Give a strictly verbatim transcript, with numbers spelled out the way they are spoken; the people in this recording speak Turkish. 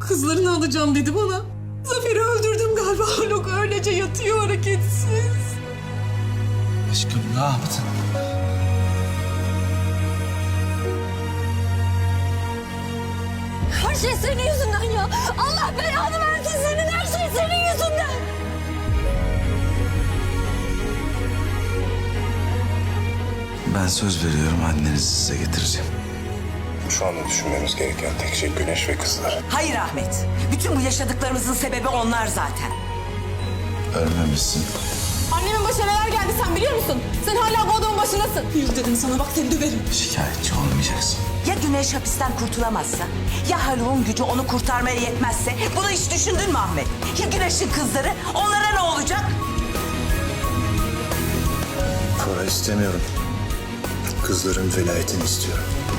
Kızlarını alacağım dedi bana. Zafer'i öldürdüm galiba. Haluk öylece yatıyor hareketsiz. Aşkım ne yaptın? Her şey senin yüzünden ya. Allah belanı versin senin, her şey senin yüzünden. Ben söz veriyorum, annenizi size getireceğim. Şu anda düşünmemiz gereken tek şey Güneş ve kızları. Hayır Ahmet. Bütün bu yaşadıklarımızın sebebi onlar zaten. Ölmemişsin. Annemin başına neler geldi sen biliyor musun? Sen hala bu adamın başındasın. Yürü dedim sana, bak seni döverim. Şikayetçi olmayacaksın. Ya Güneş hapisten kurtulamazsa? Ya Haluk'un gücü onu kurtarmaya yetmezse? Bunu hiç düşündün mü Ahmet? Ya Güneş'in kızları? Onlara ne olacak? Para istemiyorum. Kızların velayetini istiyorum.